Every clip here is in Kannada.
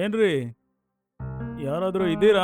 ಏನ್ರಿ ಯಾರಾದ್ರೂ ಇದ್ದೀರಾ?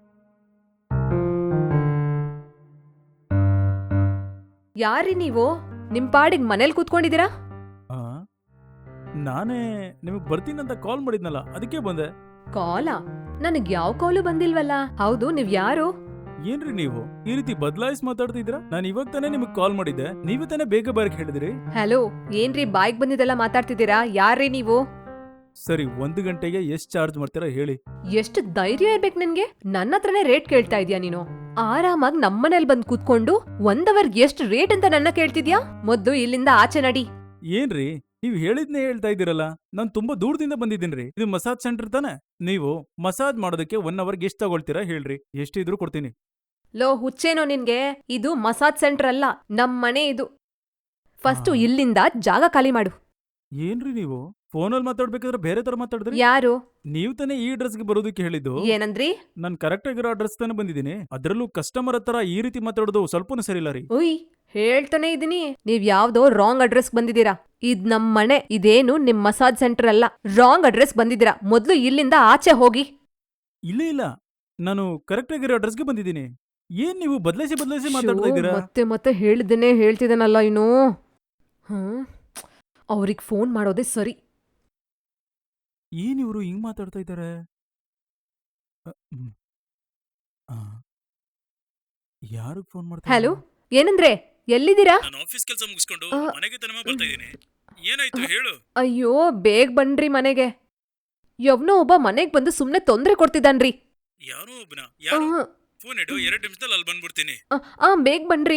ಯಾರ್ರಿ ನೀವು? ನಿಮ್ ಪಾಡಿಗ್ ಮನೇಲಿ ಕೂತ್ಕೊಂಡಿದ್ದೀರಾ? ಆ, ನಾನೇ ನಿಮಗ್ ಬರ್ತೀನಂತ ಕಾಲ್ ಮಾಡಿದ್ನಲ್ಲ, ಅದಕ್ಕೆ ಬಂದೆ. ಕಾಲಾ? ನನಗ್ ಯಾವ ಕಾಲು ಬಂದಿಲ್ವಲ್ಲ. ಹೌದು, ನೀವ್ ಯಾರು? ಏನ್ರಿ ನೀವು ಈ ರೀತಿ ಬದಲಾಯಿಸಿ ಮಾತಾಡ್ತಿದ್ದೀರಾ? ನಾನು ಇವಾಗ ತಾನೇ ನಿಮಗ್ ಕಾಲ್ ಮಾಡಿದ್ದೆ, ನೀವೇ ತಾನೇ ಬೇಗ ಬರಕ್ ಹೇಳಿದ್ರಿ. ಹಲೋ, ಏನ್ರಿ ಬಾಯ್ಗ್ ಬಂದಿದ್ದೆಲ್ಲ ಮಾತಾಡ್ತಿದ್ದೀರಾ? ಯಾರ್ರಿ ನೀವು? ಸರಿ, 1 ಗಂಟೆಗೆ ಎಷ್ಟ್ ಚಾರ್ಜ್ ಮಾಡ್ತೀರಾ ಹೇಳಿ. ಎಷ್ಟು ಧೈರ್ಯ ಇರ್ಬೇಕು ನಿನ್ಗೆ? ನನ್ನ ಹತ್ರನೇ ರೇಟ್ ಕೇಳ್ತಾ ಇದೀಯ ನೀನು? ಆರಾಮಾಗ್ ನಮ್ಮನೇಲಿ ಬಂದ್ ಕೂತ್ಕೊಂಡು 1 ಅವರ್ಗೆ ಎಷ್ಟು ರೇಟ್ ಅಂತ ನನ್ನ ಕೇಳ್ತಿದ್ಯಾ? ಮೊದ್ಲು ಇಲ್ಲಿಂದ ಆಚೆ ನಡಿ. ಏನ್ರಿ ನೀವ್ ಹೇಳಿದ್ನೇ ಹೇಳ್ತಾ ಇದ್ದೀರಲ್ಲ, ನಾನ್ ತುಂಬಾ ದೂರದಿಂದ ಬಂದಿದ್ದೀನ್ರಿ. ಇದು ಮಸಾಜ್ ಸೆಂಟರ್ ತಾನೆ? ನೀವು ಮಸಾಜ್ ಮಾಡೋದಕ್ಕೆ 1 ಅವರ್ಗೆ ಎಷ್ಟ್ ತಗೊಳ್ತೀರಾ ಹೇಳ್ರಿ, ಎಷ್ಟಿದ್ರು ಕೊಡ್ತೀನಿ. ಲೋ ಹುಚ್ಚೇನೋ ನಿನ್ಗೆ? ಇದು ಮಸಾಜ್ ಸೆಂಟರ್ ಅಲ್ಲ, ನಮ್ ಮನೆ ಇದು. ಫಸ್ಟು ಆ. ಇಲ್ಲಿಂದ ಜಾಗ ಖಾಲಿ ಮಾಡು. ಏನ್ರಿ ನೀವು ಫೋನಲ್ಲಿ ಮಾತಾಡ್ಬೇಕಾದ್ರೆ ಬೇರೆ ತರ ಮಾತಾಡಿದ್ರಿ? ಯಾರು? ನೀವ್ ತಾನೇ ಈ ಅಡ್ರೆಸ್ಗೆ ಬರೋದಕ್ಕೆ ಹೇಳಿದ್ದು. ಏನಂದ್ರಿ? ನಾನ್ ಕರೆಕ್ಟ್ ಆಗಿರೋ ಅಡ್ರೆಸ್ ತಾನೇ ಬಂದಿದ್ದೀನಿ. ಅದ್ರಲ್ಲೂ ಕಸ್ಟಮರ್ ಹತ್ರ ಈ ರೀತಿ ಮಾತಾಡೋದು ಸ್ವಲ್ಪನೂ ಸರಿ ಇಲ್ಲ ರೀ. ಉಯ್, ಹೇಳ್ತಾನೆ ಇದೀನಿ, ನೀವ್ ಯಾವ್ದೋ ರಾಂಗ್ ಅಡ್ರೆಸ್ ಬಂದಿದ್ದೀರಾ. ಇದ್ ನಮ್ ಮನೆ, ಇದೇನು ನಿಮ್ ಮಸಾಜ್ ಸೆಂಟರ್ ಅಲ್ಲ. ರಾಂಗ್ ಅಡ್ರೆಸ್ ಬಂದಿದ್ದೀರಾ. ಮೊದ್ಲು ಇಲ್ಲಿಂದ ಆಚೆ ಹೋಗಿ. ಇಲ್ಲ ಇಲ್ಲ, ನಾನು ಕರೆಕ್ಟ್ ಆಗಿರೋ ಅಡ್ರೆಸ್ಗೆ ಬಂದಿದ್ದೀನಿ. ಏನ್ ನೀವು ಬದಲಾಯಿಸಿ ಶೋ, ಮಾತಾಡ್ತಾ ಇದ್ದೀರಾ? ಮತ್ತೆ ಮತ್ತೆ ಹೇಳಿದ್ದೇನೆ ಹೇಳ್ತಿದ್ದೇನಲ್ಲ ಇನ್ನು. ಅವ್ರಿಗೆ ಫೋನ್ ಮಾಡೋದೇ ಸರಿ. ಏನ್ ಇವರು ಹಿಂಗ್ ಮಾತಾಡ್ತಾ ಇದ್ದಾರೆ? ಯಾರಿಗೆ ಫೋನ್ ಮಾಡ್ತಾ ಹಲೋ, ಏನಂದ್ರೆ? ಎಲ್ಲಿದ್ದೀರಾ? ನಾನು ಆಫೀಸ್ ಕೆಲಸ ಮುಗಿಸ್ಕೊಂಡು ಆ, ಮನೆಗೆ ತಾನೇ ಬರ್ತಾ ಇದ್ದೀನಿ. ಏನಾಯ್ತು ಹೇಳು. ಅಯ್ಯೋ, ಬೇಗ ಬನ್ರಿ ಮನೆಗೆ. ಯವ್ನೋ ಒಬ್ಬ ಮನೆಗ್ ಬಂದು ಸುಮ್ನೆ ತೊಂದ್ರೆ ಕೊಡ್ತಿದ್ದಾನ್ರಿ. ಯಾರೋ ಒಬ್ಬನ ಆ, ಯಾರು? ಫೋನ್ ಇಡು, 2 ನಿಮಿಷದಲ್ಲಿ ಅಲ್ಲಿ ಬಂದ್ಬಿಡ್ತೀನಿ. ಬೇಗ ಬನ್ರಿ.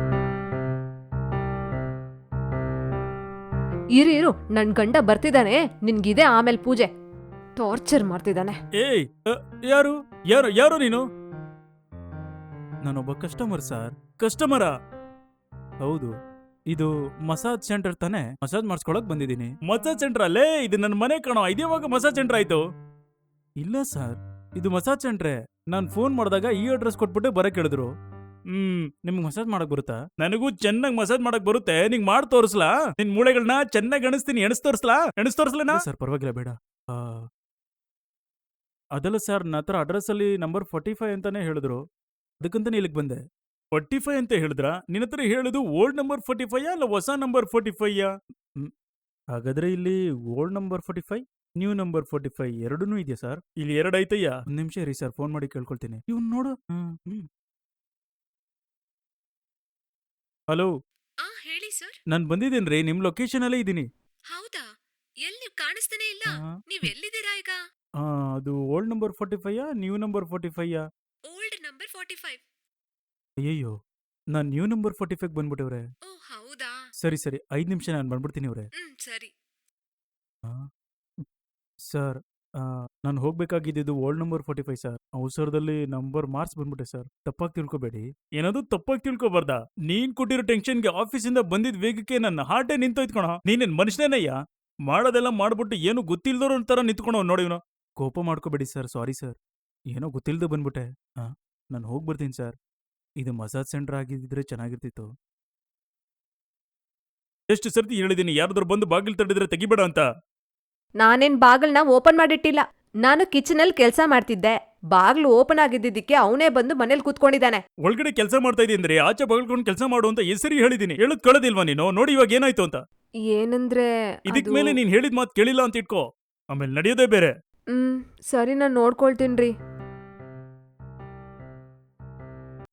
ಇರು, ನನ್ ಗಂಡ ಬರ್ತಿದ್ದಾನೆ, ನಿನ್ಗಿದೆ ಆಮೇಲೆ ಪೂಜೆ. ಟಾರ್ಚರ್ ಮಾಡ್ತಿದ್ದಾನೆ. ಏಯ್, ಯಾರು ಯಾರು ಯಾರು ನೀನು? ನಾನೊಬ್ಬ ಕಸ್ಟಮರ್ ಸರ್. ಕಸ್ಟಮರಾ? ಹೌದು, ಇದು ಮಸಾಜ್ ಸೆಂಟರ್ ತಾನೆ? ಮಸಾಜ್ ಮಾಡಿಸ್ಕೊಳಕ್ ಬಂದಿದ್ದೀನಿ. ಮಸಾಜ್ ಸೆಂಟರ್ ಅಲ್ಲೇ? ಇದು ನನ್ನ ಮನೆ ಕಣೋ, ಇದ್ಯಾವಾಗ ಮಸಾಜ್ ಸೆಂಟರ್ ಆಯ್ತು? ಇಲ್ಲ ಸರ್, ಇದು ಮಸಾಜ್ ಸೆಂಟ್ರೆ. ನಾನ್ ಫೋನ್ ಮಾಡಿದಾಗ ಈ ಅಡ್ರೆಸ್ ಕೊಟ್ಬಿಟ್ಟು ಬರಕ್ ಹೇಳಿದ್ರು. ನಿಮ್ಗೆ ಮಸಾಜ್ ಮಾಡಕ್ ಬರುತ್ತಾ? ನನಗೂ ಚೆನ್ನಾಗಿ ಮಸಾಜ್ ಮಾಡಕ್ ಬರುತ್ತೆ. ನಿಂಗ್ ಮಾಡಿ ತೋರಿಸ್ಲಾ? ನಿನ್ ಮೂಳೆಗಳನ್ನ ಚೆನ್ನಾಗಿ ಎಣಿಸ್ತೀನಿ. ಎಣಿಸ್ ತೋರಿಸ್ಲಾ ಸರ್? ಪರವಾಗಿಲ್ಲ, ಬೇಡ. ಆ, ಅದಲ್ಲ ಸರ್, ನನ್ನ ಹತ್ರ ಅಡ್ರೆಸ್ ಅಲ್ಲಿ ನಂಬರ್ 45 ಅಂತಾನೆ ಹೇಳಿದ್ರು, ಅದಕ್ಕಂತಾನೆ ಇಲ್ಲಿಗೆ ಬಂದೆ. 45 ಅಂತ ಹೇಳಿದ್ರಾ? ನಿನ್ನ ಹತ್ರ ಹೇಳಿದ್ದು ಓಲ್ಡ್ ನಂಬರ್ 45 ಅಲ್ಲ ಹೊಸ ನಂಬರ್ 45? ಹಾಗಾದ್ರೆ ಇಲ್ಲಿ ಓಲ್ಡ್ ನಂಬರ್ 45, ನ್ಯೂ ನಂಬರ್ 45 ಎರಡೂ ಇದೆಯಾ ಸರ್? ಇಲ್ಲಿ 2 ಐತಯ್ಯ. 1 ನಿಮಿಷ ಇರಿ ಸರ್, ಫೋನ್ ಮಾಡಿ ಕೇಳ್ಕೊಳ್ತೀನಿ. ಇವ್ನು ನೋಡು. ಹಲೋ, ಹೇಳಿ ಸರ್. ನಾನು ಬಂದಿದ್ದೇನ್ರಿ, ನಿಮ್ ಲೊಕೇಶನ್ ಅಲ್ಲೇ ಇದ್ದೀನಿ. ಹೌದಾ? ಎಲ್ಲಿ ಕಾಣಿಸ್ತಾನೆ ಇಲ್ಲ. ಆ, ನೀವ್ ಎಲ್ಲಿದ್ದೀರಾ ಈಗ? ಅದು old number 45 new number 45? Old number 45. ಅಯ್ಯಯ್ಯೋ, ನಾನು ನ್ಯೂ ನಂಬರ್ 45 ಬಂದ್ಬಿಟ್ಟವ್ರೆ. ಓ ಹೌದಾ? ಸರಿ ಸರಿ, 5 ನಿಮಿಷ, ನಾನು ಬಂದ್ಬಿಡ್ತೀನಿ ಅವ್ರೆ. ಸರಿ. ಸರ್, ನಾನು ಹೋಗ್ಬೇಕಾಗಿದ್ದು ಓಲ್ಡ್ ನಂಬರ್ 45 ಸರ್. ಅವಸರದಲ್ಲಿ ನಂಬರ್ ಮಾರ್ಕ್ಸ್ ಬಂದ್ಬಿಟ್ಟೆ ಸರ್, ತಪ್ಪಾಗಿ ತಿಳ್ಕೊಬೇಡಿ. ಏನಾದ್ರು ತಪ್ಪಾಗಿ ತಿಳ್ಕೊಬಾರ್ದಾ? ನೀನ್ ಕೊಟ್ಟಿರೋ ಟೆನ್ಷನ್ಗೆ ಆಫೀಸಿಂದ ಬಂದಿದ್ ವೇಗಕ್ಕೆ ನನ್ನ ಹಾರ್ಟೇ ನಿಂತೋಯ್ತು ಕಣ. ನೀನೇನ್ ಮನುಷ್ಯನೇನಯ್ಯ? ಮಾಡೋದೆಲ್ಲ ಮಾಡ್ಬಿಟ್ಟು ಏನು ಗೊತ್ತಿಲ್ದೋರ ತರ ನಿಂತ್ಕೊಳೋ ನೋಡಿ ಇವನು. ಕೋಪ ಮಾಡ್ಕೋಬೇಡಿ ಸರ್, ಸಾರಿ ಸರ್, ಏನೋ ಗೊತ್ತಿಲ್ದೆ ಬಂದ್ಬಿಟ್ಟೆ. ನಾನು ಹೋಗ್ಬರ್ತೀನಿ ಸರ್. ಇದು ಮಸಾಜ್ ಸೆಂಟರ್ ಆಗಿದ್ದಿದ್ರೆ ಚೆನ್ನಾಗಿರ್ತಿತ್ತು. ಎಷ್ಟು ಸರ್ತಿ ಹೇಳಿದೀನಿ, ಯಾರಾದ್ರೂ ಬಂದು ಬಾಗಿಲು ತಟ್ಟಿದ್ರೆ ತೆಗಿಬೇಡ ಅಂತ. ನಾನೇನ್ ಬಾಗಲ್ನ ಓಪನ್ ಮಾಡಿಟ್ಟಿಲ್ಲ. ನಾನು ಕಿಚನ್ ಅಲ್ಲಿ ಕೆಲ್ಸ ಮಾಡ್ತಿದ್ದೆ. ಬಾಗ್ಲು ಓಪನ್ ಆಗಿದ್ದಿದ್ದಕ್ಕೆ ಅವನೇ ಬಂದು ಮನೇಲಿ ಕೂತ್ಕೊಂಡಿದ್ದಾನೆ. ಒಳಗಡೆ ಕೆಲಸ ಮಾಡ್ತಾ ಇದೀನಿ ಅಂದ್ರೆ ಆಚೆ ಬಗಲ್ಕೊಂಡು ಕೆಲಸ ಮಾಡು ಅಂತ ಹೆಸರಿ ಹೇಳಿದೀನಿ. ಹೇಳದ್ ಕಳದಿಲ್ವಾ ನೀನು? ನೋಡಿ ಇವಾಗ ಏನಾಯ್ತು ಅಂತ. ಏನಂದ್ರೆ ಇದಕ್ ಅದು- ಮೇಲೆ ನೀನ್ ಹೇಳಿದ ಮಾತು ಕೇಳಿಲ್ಲ ಅಂತ ಇಟ್ಕೋ, ಆಮೇಲೆ ನಡೆಯೋದೇ ಬೇರೆ. ಸರಿ, ನಾನ್ ನೋಡ್ಕೊಳ್ತೀನ್ರಿ.